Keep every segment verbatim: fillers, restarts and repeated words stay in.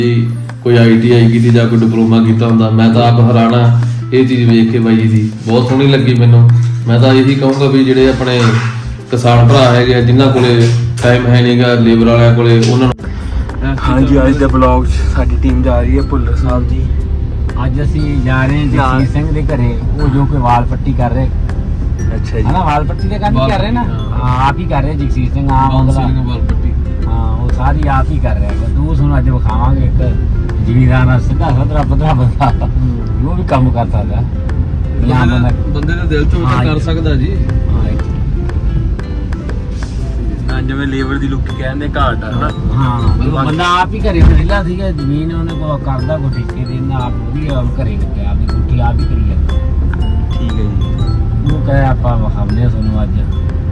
कोई I T I की या कोई डिप्लोमा किया होंदा। मैं तो आप हैरान हाँ ये चीज़ वेख के बाई जी बहुत सोहनी लगी मैनू। मैं तो यही कहूँगा भी ਜਿਹੜੇ ਆਪਣੇ किसान भरा है जिन्होंने कोले टाइम है नहीं गा लेबर वाले कोले उन्होंने। हाँ जी अज के ब्लॉग साडी टीम जा रही है भुल्लर साहब जी। ਅੱਜ ਅਸੀਂ ਜਾ ਰਹੇ ਹਾਂ ਜਗਸੀਰ ਸਿੰਘ ਦੇ ਘਰੇ, ਉਹ ਜੋ ਕੋਈ ਵਾਲ ਪੱਟੀ ਕਰ ਰਹੇ। अच्छा जी ਹੈ ਨਾ, ਵਾਲ ਪੱਟੀ ਦਾ ਕੰਮ ਕਰ ਰਹੇ ਨਾ, ਹਾਂ ਆਪ ਹੀ ਕਰ ਰਹੇ ਜਗਸੀਰ ਸਿੰਘ ਆਪ ਅਗਲਾ वाल पट्टी ਹਾਂ ਉਹ ਸਾਰੀ ਆਪ ਹੀ ਕਰ ਰਿਹਾ। ਤੂੰ ਸਾਨੂੰ ਅੱਜ ਵਿਖਾਵਾਂਗੇ ਇੱਕ ਜ਼ਿਮੀਂਦਾਰ ਨਾਲ ਸਿੱਧਾ ਸਦਰਾ ਪਦਰਾ ਬੰਦਾ ਉਹ ਵੀ ਕੰਮ ਕਰ ਸਕਦਾ। ਜਾਂ ਬੰਦਾ ਬੰਦੇ ਦੇ ਦਿਲ ਤੋਂ ਕਰ ਸਕਦਾ ਜੀ। हाँ जिवें लेबर दी लुक कहंदे घाट है ना। ਹਾਂ ਬੰਦਾ ਆਪ ਹੀ ਘਰੇ ਵਿਹਲਾ ਸੀਗਾ, ਜ਼ਮੀਨ ਉਹਨੇ ਕੋ ਕਰਦਾ ਕੋ ਠੇਕੇ ਦੇ ਨਾ, ਆਪ ਵੀ ਘਰੇ ਲੱਗਿਆ ਆਪਣੀ ਕੁੱਟੀ ਆਪ ਹੀ ਕਰੀ ਜਾਂਦਾ। ठीक है जी ਉਹ ਕਹੇ ਆਪਾਂ ਵਿਖਾਉਂਦੇ ਤੁਹਾਨੂੰ ਅੱਜ।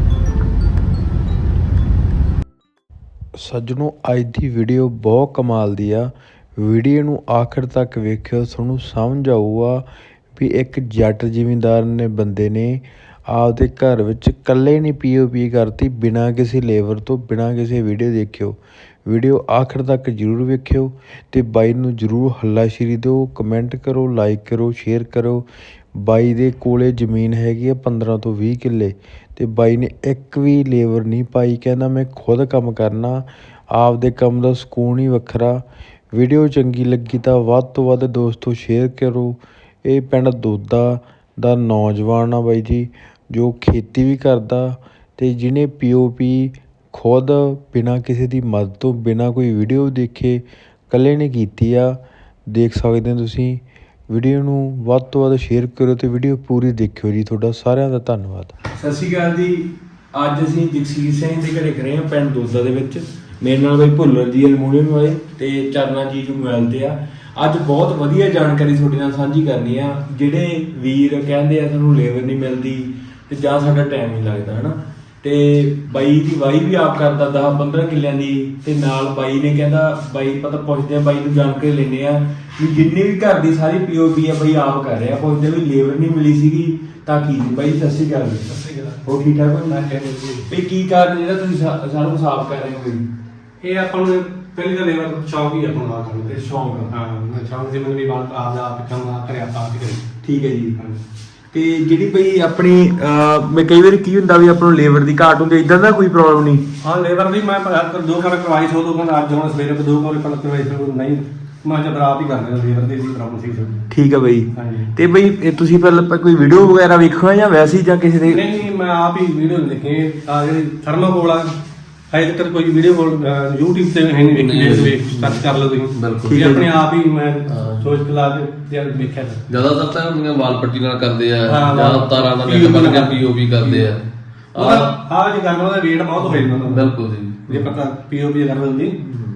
ਸੱਜਣੋ ਅੱਜ ਦੀ ਵੀਡੀਓ ਬਹੁਤ ਕਮਾਲ ਦੀ ਆ। ਵੀਡੀਓ ਨੂੰ ਆਖਰ ਤੱਕ ਵੇਖਿਓ, ਤੁਹਾਨੂੰ ਸਮਝ ਆਊਗਾ ਵੀ ਇੱਕ ਜੱਟ ਜ਼ਿਮੀਂਦਾਰ ਨੇ ਬੰਦੇ ਨੇ ਆਪਦੇ ਘਰ ਵਿੱਚ ਇਕੱਲੇ ਨਹੀਂ ਪੀ ਓ ਪੀ ਕਰਤੀ ਬਿਨਾਂ ਕਿਸੇ ਲੇਬਰ ਤੋਂ, ਬਿਨਾਂ ਕਿਸੇ ਵੀਡੀਓ ਦੇਖਿਓ। ਵੀਡੀਓ ਆਖਰ ਤੱਕ ਜ਼ਰੂਰ ਵੇਖਿਓ ਅਤੇ ਬਾਈ ਨੂੰ ਜ਼ਰੂਰ ਹੱਲਾਸ਼ੇਰੀ ਦਿਓ, ਕਮੈਂਟ ਕਰੋ, ਲਾਈਕ ਕਰੋ, ਸ਼ੇਅਰ ਕਰੋ। ਬਾਈ ਦੇ ਕੋਲੇ ਜ਼ਮੀਨ ਹੈਗੀ ਆ ਪੰਦਰਾਂ ਤੋਂ ਵੀਹ ਕਿੱਲੇ ਅਤੇ ਬਾਈ ਨੇ ਇੱਕ ਵੀ ਲੇਬਰ ਨਹੀਂ ਪਾਈ। ਕਹਿੰਦਾ ਮੈਂ ਖੁਦ ਕੰਮ ਕਰਨਾ, ਆਪਦੇ ਕੰਮ ਦਾ ਸਕੂਨ ਹੀ ਵੱਖਰਾ। ਵੀਡੀਓ ਚੰਗੀ ਲੱਗੀ ਤਾਂ ਵੱਧ ਤੋਂ ਵੱਧ ਦੋਸਤੋ ਸ਼ੇਅਰ ਕਰੋ। ਇਹ ਪਿੰਡ ਦੋਦਾ ਦਾ ਨੌਜਵਾਨ ਆ ਬਾਈ ਜੀ, ਜੋ ਖੇਤੀ ਵੀ ਕਰਦਾ ਅਤੇ ਜਿਹਨੇ ਪੀ ਓ ਪੀ ਖੁਦ ਬਿਨਾਂ ਕਿਸੇ ਦੀ ਮਦਦ ਤੋਂ, ਬਿਨਾਂ ਕੋਈ ਵੀਡੀਓ ਦੇਖੇ ਇਕੱਲੇ ਨੇ ਕੀਤੀ ਆ। ਦੇਖ ਸਕਦੇ ਹੋ ਤੁਸੀਂ। ਵੀਡੀਓ ਨੂੰ ਵੱਧ ਤੋਂ ਵੱਧ ਸ਼ੇਅਰ ਕਰੋ ਅਤੇ ਵੀਡੀਓ ਪੂਰੀ ਦੇਖਿਓ ਜੀ। ਤੁਹਾਡਾ ਸਾਰਿਆਂ ਦਾ ਧੰਨਵਾਦ। ਸਤਿ ਸ਼੍ਰੀ ਅਕਾਲ ਜੀ। ਅੱਜ ਅਸੀਂ ਜਗਸੀਰ ਸਿੰਘ ਦੇ ਘਰੇ ਖੜੇ ਹਾਂ ਪਿੰਡ ਦੋਦਾ ਦੇ ਵਿੱਚ। ਮੇਰੇ ਨਾਲ ਬਈ ਭੁੱਲਰ ਜੀ ਅਲਮੂਨੀਅਮ ਵਾਲੇ ਅਤੇ ਚਰਨਾ ਜੀ ਜੋ ਮੋਬਾਈਲ 'ਤੇ ਆ। ਅੱਜ ਬਹੁਤ ਵਧੀਆ ਜਾਣਕਾਰੀ ਤੁਹਾਡੇ ਨਾਲ ਸਾਂਝੀ ਕਰਨੀ ਆ। ਜਿਹੜੇ ਵੀਰ ਕਹਿੰਦੇ ਆ ਸਾਨੂੰ ਲੇਬਰ ਨਹੀਂ ਮਿਲਦੀ ਅਤੇ ਜਾਂ ਸਾਡਾ ਟਾਈਮ ਨਹੀਂ ਲੱਗਦਾ ਹੈ ਨਾ, ਅਤੇ ਬਾਈ ਦੀ ਵਾਹੀ ਵੀ ਆਪ ਕਰਦਾ ਦਸ ਪੰਦਰਾਂ ਕਿੱਲਿਆਂ ਦੀ, ਅਤੇ ਨਾਲ ਬਾਈ ਨੇ ਕਹਿੰਦਾ ਬਾਈ ਪਤਾ ਪੁੱਛਦੇ ਆ ਬਾਈ ਨੂੰ ਜਾਣਕਾਰੀ ਲੈਂਦੇ ਆ ਵੀ ਜਿੰਨੀ ਵੀ ਘਰ ਦੀ ਸਾਰੀ ਪੀ ਓ ਪੀ ਆ ਬਾਈ ਆਪ ਕਰ ਰਿਹਾ। ਪੁੱਛਦੇ ਵੀ ਲੇਬਰ ਨਹੀਂ ਮਿਲੀ ਸੀਗੀ ਤਾਂ ਕੀ ਸੀ। ਬਾਈ ਸਤਿ ਸ਼੍ਰੀ ਅਕਾਲ। ਸਤਿ ਸ਼੍ਰੀ ਅਕਾਲ। ਹੋਰ ਠੀਕ ਠਾਕ ਹੋ? ਵੀ ਕੀ ਕਾਰਨ ਜਿਹੜਾ ਤੁਸੀਂ ਸਾਰਾ ਕੁਛ ਆਪ ਕਰ ਰਹੇ ਹੋ? ਇਹ ਆਪਾਂ ਨੂੰ ਪਹਿਲੀ ਤਾਂ ਲੇਬਰ ਸ਼ੌਂਕ ਹੀ ਆਪਾਂ ਨੂੰ ਆ ਕਰਨ ਦੇ ਸ਼ੌਂਕ। ਹਾਂ ਮੈਂ ਸ਼ੌਂਕ ਸੀ ਮੈਨੂੰ ਵੀ ਬਾਲ ਆਪ ਦਾ ਆਪ ਕੰਮ ਆ ਕਰਿਆ ਆਪਾਂ ਆਪ ਹੀ ਕਰੀ। ਠੀਕ ਹੈ ਜੀ। ਤੇ ਜਿਹੜੀ ਬਈ ਆਪਣੀ ਮੈਂ ਕਈ ਵਾਰੀ ਕੀ ਹੁੰਦਾ ਵੀ ਆਪਾਂ ਨੂੰ ਲੇਬਰ ਦੀ ਘਾਟ ਹੁੰਦੀ, ਇਦਾਂ ਦਾ ਕੋਈ ਪ੍ਰੋਬਲਮ ਨਹੀਂ? ਹਾਂ ਲੇਬਰ ਦੀ ਮੈਂ ਦੋ ਕਰ ਕਰਵਾਈ ਸੋ ਦੋ ਘੰਟੇ ਅੱਜ ਹੁਣ ਸਵੇਰੇ ਦੋ ਕੋਲ ਪਲਕ ਕਰਵਾਈ ਸੋ ਨਹੀਂ ਮੈਂ ਜਦ ਰਾਤ ਹੀ ਕਰਦਾ ਲੇਬਰ ਦੀ ਸੀ ਪ੍ਰੋਬਲਮ ਸੀ। ਠੀਕ ਹੈ ਬਈ। ਹਾਂਜੀ ਤੇ ਬਈ ਇਹ ਤੁਸੀਂ ਪਹਿਲਾਂ ਕੋਈ ਵੀਡੀਓ ਵਗੈਰਾ ਵੇਖੋ ਜਾਂ ਵੈਸੇ ਹੀ ਜਾਂ ਕਿਸੇ ਦੇ? ਨਹੀਂ ਨਹੀਂ ਮੈਂ ਆਪ ਹੀ ਵੀਡੀਓ ਦੇਖੇ ਆ ਜਿਹੜੀ ਥਰਮਾਕੋਲ ਆ ਹਜੇ ਤੱਕ ਕੋਈ ਵੀਡੀਓ ਕੋਲ YouTube ਤੇ ਹੈ ਨਹੀਂ ਵੇਖੀ, ਵੇਖ ਸਰਚ ਕਰ ਲਓ ਤੁਸੀਂ। ਬਿਲਕੁਲ ਆਪਣੇ ਆਪ ਹੀ ਮੈਂ ਸੋਚ ਕੇ ਲਾ ਕੇ ਯਾਰ ਵੇਖਿਆ ਜ਼ਿਆਦਾਤਰ ਤਾਂ ਹੁੰਦੀਆਂ ਵਾਲ ਪੱਟੀ ਨਾਲ ਕਰਦੇ ਆ ਹਾਂ, ਜਾਂ ਤਾਰਾਂ ਦਾ ਨੈਟ ਬਣ ਕੇ ਪੀ ਓ ਪੀ ਕਰਦੇ ਆ। ਉਹਦਾ ਆਹ ਜੀ ਗੱਲ ਉਹਦਾ weight ਬਹੁਤ ਹੋ ਜਾਂਦਾ। ਬਿਲਕੁਲ ਜੀ। ਜੇ ਪਤਾ ਪੀ ਓ ਪੀ ਕਰ ਲੈਂਦੀ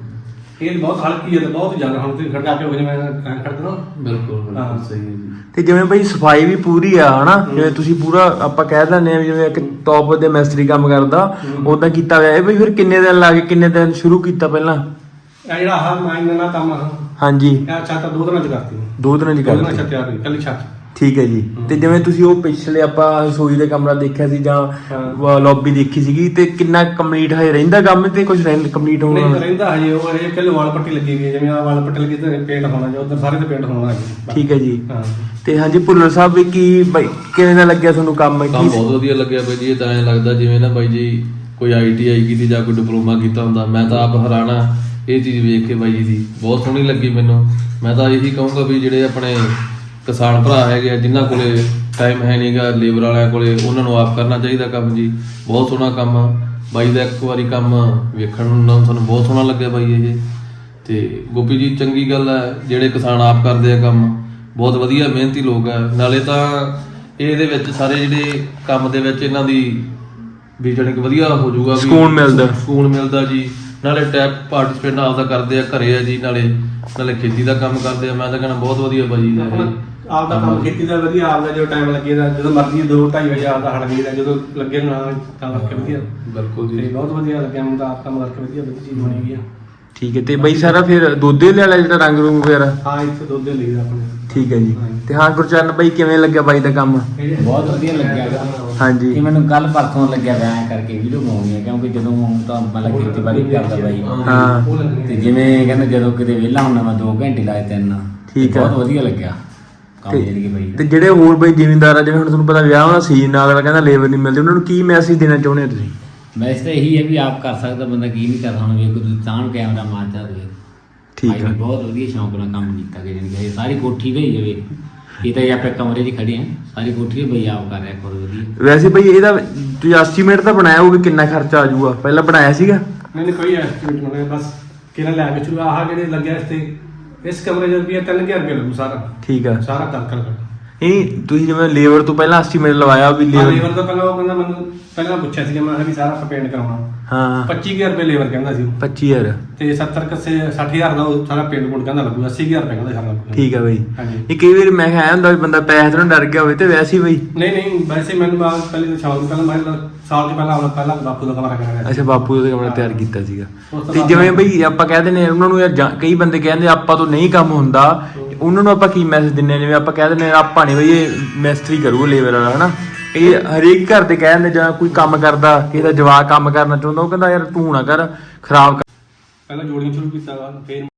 ਇਹ ਬਹੁਤ ਹਲਕੀ ਹੈ ਤੇ ਬਹੁਤ ਜ਼ਿਆਦਾ ਹੁਣ ਤੇ ਖੜਕਾ ਕੇ ਹੋ ਜਿਵੇਂ ਖੜਕਣਾ। ਬਿਲਕੁਲ ਬਿਲਕੁਲ ਸਹੀ ਹੈ ਜੀ। ਤੇ ਜਿਵੇਂ ਬਈ ਸਫਾਈ ਵੀ ਪੂਰੀ ਆ ਹਨਾ, ਜਿਵੇਂ ਤੁਸੀਂ ਪੂਰਾ ਆਪਾਂ ਕਹਿ ਦਿੰਦੇ ਆ ਜਿਵੇਂ ਇੱਕ ਟੌਪ ਦੇ ਮਿਸਤਰੀ ਕੰਮ ਕਰਦਾ ਉਦਾਂ ਕੀਤਾ ਹੋਇਆ। ਇਹ ਬਈ ਫਿਰ ਕਿੰਨੇ ਦਿਨ ਲਾ ਕੇ ਕਿੰਨੇ ਦਿਨ ਸ਼ੁਰੂ ਕੀਤਾ ਪਹਿਲਾਂ? ਇਹ ਜਿਹੜਾ ਆਹ ਮਾਈਨ ਦਾ ਕੰਮ ਆ ਹਾਂਜੀ ਇਹ ਛੱਤ ਦੋ ਦਿਨਾਂ ਚ ਕਰਤੀ ਦੋ ਦਿਨਾਂ ਚ ਦੋ ਦਿਨਾਂ ਕਰਤੀ। ਛੱਤ ਤਿਆਰ ਹੋਈ ਕੱਲੀ ਛੱਤ। ਠੀਕ ਹੈ ਜੀ। ਤੇ ਜਿਵੇਂ ਤੁਸੀਂ ਉਹ ਪਿਛਲੇ ਆਪਾਂ ਰਸੋਈ ਦੇ ਕਮਰਾ ਦੇਖਿਆ ਸੀ ਜਾਂ ਲੌਬੀ ਦੇਖੀ ਸੀਗੀ, ਤੇ ਕਿੰਨਾ ਕੰਪਲੀਟ ਹੈ ਰਹਿੰਦਾ ਕੰਮ ਤੇ ਕੁਝ ਕੰਪਲੀਟ ਹੋਣਾ ਨਹੀਂ ਰਹਿੰਦਾ ਹਜੇ ਉਹ ਇਹ ਕੱਲ ਵਾਲ ਪੱਟੀ ਲੱਗੀ ਗਈ ਜਿਵੇਂ ਆ ਵਾਲ ਪੱਟੀ ਲੱਗੀ ਤੇ ਪੇਂਟ ਹੋਣਾ ਜਾਂ ਉਧਰ ਸਾਰੇ ਤੇ ਪੇਂਟ ਹੋਣਾ ਹੈ। ਠੀਕ ਹੈ ਜੀ। ਹਾਂ ਤੇ ਹਾਂਜੀ ਭੁੱਲਰ ਸਾਹਿਬ ਵੀ ਕੀ ਬਾਈ ਕਿਵੇਂ ਦਾ ਲੱਗਿਆ ਤੁਹਾਨੂੰ ਕੰਮ? ਕੰਮ ਬਹੁਤ ਵਧੀਆ ਲੱਗਿਆ ਬਾਈ ਜੀ। ਇਹ ਤਾਂ ਐਂ ਲੱਗਦਾ ਜਿਵੇਂ ਨਾ ਬਾਈ ਜੀ ਕੋਈ ਆਈ ਟੀ ਆਈ ਕੀਤੀ ਜਾਂ ਕੋਈ ਡਿਪਲੋਮਾ ਕੀਤਾ ਹੁੰਦਾ। ਮੈਂ ਤਾਂ ਆਪ ਹੈਰਾਨ ਆਂ ਇਹ ਚੀਜ਼ ਵੇਖ ਕੇ ਬਾਈ ਜੀ ਦੀ ਬਹੁਤ ਸੋਹਣੀ ਲੱਗੀ ਮੈਨੂੰ। ਮੈਂ ਤਾਂ ਇਹੀ ਕਹੂੰਗਾ ਵੀ ਜਿਹੜੇ ਆਪਣੇ ਕਿਸਾਨ ਭਰਾ ਹੈਗੇ ਆ ਜਿਨ੍ਹਾਂ ਕੋਲੇ ਟਾਈਮ ਹੈ ਨਹੀਂ ਗਾ ਲੇਬਰ ਵਾਲਿਆਂ ਕੋਲੇ, ਉਹਨਾਂ ਨੂੰ ਆਪ ਕਰਨਾ ਚਾਹੀਦਾ ਕੰਮ ਜੀ। ਬਹੁਤ ਸੋਹਣਾ ਕੰਮ ਆ ਬਾਈ ਦਾ। ਇੱਕ ਵਾਰੀ ਕੰਮ ਵੇਖਣ ਨੂੰ ਸਾਨੂੰ ਬਹੁਤ ਸੋਹਣਾ ਲੱਗਿਆ ਬਾਈ ਇਹ। ਤੇ ਗੋਪੀ ਜੀ ਚੰਗੀ ਗੱਲ ਹੈ ਜਿਹੜੇ ਕਿਸਾਨ ਆਪ ਕਰਦੇ ਆ ਕੰਮ, ਬਹੁਤ ਵਧੀਆ ਮਿਹਨਤੀ ਲੋਕ ਆ। ਨਾਲੇ ਤਾਂ ਇਹਦੇ ਵਿੱਚ ਸਾਰੇ ਜਿਹੜੇ ਕੰਮ ਦੇ ਵਿੱਚ ਇਹਨਾਂ ਦੀ ਵੀ ਜਾਣੀ ਕਿ ਵਧੀਆ ਹੋ ਜਾਊਗਾ, ਸਕੂਨ ਮਿਲਦਾ ਸਕੂਨ ਮਿਲਦਾ ਜੀ। ਨਾਲੇ ਟੈਪ ਪਾਰਟੀਸਪੇਟ ਆਪਦਾ ਕਰਦੇ ਆ ਘਰੇ ਆ ਜੀ, ਨਾਲੇ ਨਾਲੇ ਖੇਤੀ ਦਾ ਕੰਮ ਕਰਦੇ ਆ। ਮੈਂ ਤਾਂ ਕਹਿੰਦਾ ਬਹੁਤ ਵਧੀਆ ਬਾਈ ਦਾ ਇਹ ਆਪ ਦਾ ਕੰਮ ਖੇਤੀ ਦਾ ਵਧੀਆ। ਆਪ ਦਾ ਜੋ ਟਾਈਮ ਲੱਗੇਗਾ ਜਦੋਂ ਮਰਜ਼ੀ ਦੋ ਢਾਈ ਵਜੇ ਆਪ ਦਾ ਹਟ ਗਈ ਜਦੋਂ ਲੱਗੇ ਨਾ ਤਾਂ ਕਰਕੇ ਵਧੀਆ। ਬਿਲਕੁਲ ਜੀ। ਤੇ ਬਹੁਤ ਵਧੀਆ ਲੱਗਿਆ ਮੈਨੂੰ ਤਾਂ ਆਪ ਕੰਮ ਕਰਕੇ ਵਧੀਆ ਵਧੀਆ ਚੀਜ਼ ਬਣੀ ਗਈ ਆ। ਠੀਕ ਹੈ। ਤੇ ਬਈ ਸਾਰਾ ਫਿਰ ਦੁੱਧ ਲੈ ਲਿਆ ਜਿਹੜਾ ਰੰਗ ਰੂੰਗ ਵਗੈਰਾ? ਹਾਂ ਇੱਥੇ ਦੁੱਧ ਲਈਦਾ ਆਪਣੇ। ਠੀਕ ਹੈ ਜੀ। ਤੇ ਹਾਂ ਗੁਰਚਰਨ ਬਾਈ ਕਿਵੇਂ ਲੱਗਿਆ ਬਾਈ ਦਾ ਕੰਮ? ਬਹੁਤ ਵਧੀਆ ਲੱਗਿਆ ਗਾ। ਹਾਂਜੀ ਇਹ ਮੈਨੂੰ ਕੱਲ ਪਰਸੋਂ ਲੱਗਿਆ ਵਿਆਹ ਕਰਕੇ ਵੀਡੀਓ ਬਣਾਉਣੀ ਹੈ, ਕਿਉਂਕਿ ਜਦੋਂ ਹੁਣ ਤਾਂ ਮਤਲਬ ਖੇਤੀਬਾੜੀ ਕਰਦਾ ਬਾਈ। ਹਾਂ ਤੇ ਜਿਵੇਂ ਕਹਿੰਦਾ ਜਦੋਂ ਕਿਤੇ ਵਿਹਲਾ ਹੁੰਦਾ ਮੈਂ ਦੋ ਘੰਟੇ ਲਾਏ ਤਿੰਨ। ਠੀਕ ਤੇ ਆ। ਬਹੁਤ ਵਧੀਆ ਲੱਗਿਆ ਕੰਮ ਤੇ- ਜਿਹੜੀ ਬਾਈ ਤੇ ਜਿਹੜੇ ਹੋਰ ਬਾਈ ਜ਼ਿਮੀਂਦਾਰ ਆ ਜਿਵੇਂ ਹੁਣ ਤੁਹਾਨੂੰ ਪਤਾ ਵਿਆਹ ਦਾ ਸੀਜ਼ਨ ਅਗਲਾ ਕਹਿੰਦਾ ਲੇਬਰ ਨਹੀਂ ਮਿਲਦੀ, ਉਹਨਾਂ ਨੂੰ ਕੀ ਮੈਸੇਜ ਦੇਣਾ ਚਾਹੁੰਦੇ ਹੋ ਤੁਸੀਂ? ਵੈਸੇ ਤਾਂ ਇਹੀ ਹੈ ਵੀ ਆਪ ਕਰ ਸਕਦਾ ਬੰਦਾ, ਕੀ ਨਹੀਂ ਕਰਦਾ। ਹੁਣ ਵੇਖੋ ਤੁਸੀਂ ਤਾਂ ਕੈਮਰਾ ਮਾਰਦਾ ਹੋਵੇ। ਠੀਕ ਬਾਈ ਆ। ਨੇ ਬਹੁਤ ਵਧੀਆ ਸ਼ੌਂਕ ਨਾਲ ਕੰਮ ਕੀਤਾ ਕਿ ਜਾਣੀ ਕਿ ਸਾਰੀ ਕੋਠੀ ਗਈ ਜਾਵੇ। ਇਹ ਤਾਂ ਆਪਾਂ ਕਮਰੇ 'ਚ ਖੜੇ ਆ, ਸਾਰੀ ਕੋਠੀ ਬਈ ਆਪ ਕਰ ਰਿਹਾ ਕੋਲ ਵਧੀਆ। ਵੈਸੇ ਬਾਈ ਇਹਦਾ ਤੁਸੀਂ ਐਸਟੀਮੇਟ ਤਾਂ ਬਣਾਇਆ ਹੋਊ ਵੀ ਕਿੰਨਾ ਖਰਚਾ ਆ ਜਾਊਗਾ, ਪਹਿਲਾਂ ਬਣਾਇਆ ਸੀਗਾ? ਨਹੀਂ ਨਹੀਂ ਕੋਈ ਐਸਟੀਮੇਟ ਨਹੀਂ, ਬਸ ਕਿਹੜਾ ਲੈ ਕੇ ਚਲੋ ਆਹ ਜਿਹੜੇ ਲੱਗਿਆ ਇਸ ਤੇ ਇਸ ਕਮਰੇ ਦੇ ਰੁਪਏ ਤਿੰਨ ਹਜ਼ਾਰ ਰੁਪਏ ਲੱਗੂ ਸਾਰਾ ਠੀਕ ਆ। ਸਾਰਾ ਕਰ ਕਰ ਨਹੀਂ ਤੁਸੀਂ ਜਿਵੇਂ ਲੇਬਰ ਤੋਂ ਪਹਿਲਾਂ ਐਸਟੀਮੇਟ ਲਵਾਇਆ ਵੀ ਲੇਬਰ ਲੇਬਰ ਤੋਂ ਪਹਿਲਾਂ ਉਹ ਕਹਿੰਦਾ ਮੈਨੂੰ ਪਹਿਲਾਂ ਪੁੱਛਿਆ ਸੀ ਮੈਂ ਕਿਹਾ ਵੀ ਸਾਰਾ ਪੇਂਟ ਕਰਾਉਣਾ ਹਾਂ ਪੱਚੀ ਹਜ਼ਾਰ ਰੁਪਏ ਲੇਬਰ ਕਹਿੰਦਾ ਸੀ ਉਹ। ਪੱਚੀ ਹਜ਼ਾਰ ਤੇ ਸੱਤਰ ਕੱਸੇ ਸੱਠ ਹਜ਼ਾਰ ਦਾ ਉਹ ਸਾਰਾ ਪੇਂਟ ਪੂੰਟ ਕਹਿੰਦਾ ਲੱਗੂ, ਅੱਸੀ ਹਜ਼ਾਰ ਰੁਪਏ ਕਹਿੰਦਾ ਸਾਰਾ ਲੱਗੂ। ਠੀਕ ਆ ਬਾਈ। ਹਾਂਜੀ। ਇਹ ਕਈ ਵਾਰ ਮੈਂ ਕਿਹਾ ਹੁੰਦਾ ਵੀ ਬੰਦਾ ਪੈਸੇ ਤੋਂ ਡਰ ਗਿਆ ਹੋਵੇ ਤੇ ਵੈਸੇ ਹੀ ਬਾਈ। ਨਹੀਂ ਨਹੀਂ ਵੈਸੇ ਮੈਨੂੰ ਬਾਅਦ ਪਹਿਲੇ ਤਾਂ ਸ਼ੌਕ ਪਹਿਲਾਂ ਮੈਂ ਸਾਲ ਤੋਂ ਪਹਿਲਾਂ ਆਪਣਾ ਪਹਿਲਾਂ ਬਾਪੂ ਦਾ ਕਮਰਾ ਕਰਾਇਆ ਅੱਛਾ ਬਾਪੂ ਦਾ ਕਮਰਾ ਤਿਆਰ ਕੀਤਾ ਸੀਗਾ। ਉਸ ਤੋਂ ਤੇ ਬਾਅਦ ਜਿਵੇਂ ਬਈ ਆਪਾਂ ਕਹਿ ਦਿੰਦੇ ਹਾਂ ਉਹਨਾਂ ਨੂੰ ਯਾਰ ਜਾਂ- ਕਈ ਬੰਦੇ ਕਹਿੰਦੇ ਆਪਾਂ ਤੋਂ ਨਹੀਂ ਕੰਮ ਹੁੰਦਾ, ਉਹਨਾਂ ਨੂੰ ਆਪਾਂ ਕੀ ਮੈਸੇਜ ਦਿੰਦੇ ਹਾਂ? ਜਿਵੇਂ ਆਪਾਂ ਕਹਿ ਦਿੰਦੇ ਹਾਂ ਆਪਾਂ ਨਹੀਂ ਬਈ ਇਹ ਮਿਸਤਰੀ ਕਰੂ ਲੇਬਰ ਵਾਲਾ ਹਨਾ, ਇਹ ਹਰੇਕ ਘਰ ਦੇ ਕਹਿੰਦੇ ਜਾਂ ਕੋਈ ਕੰਮ ਕਰਦਾ ਕਿਸੇ ਦਾ ਜਵਾਕ ਕੰਮ ਕਰਨਾ ਚਾਹੁੰਦਾ ਉਹ ਕਹਿੰਦਾ ਯਾਰ ਤੂੰ ਨਾ ਕਰ ਖਰਾਬ ਕਰ। ਪਹਿਲਾਂ ਜੋੜੀਆਂ ਸ਼ੁਰੂ ਕੀਤਾ ਵਾ, ਫਿਰ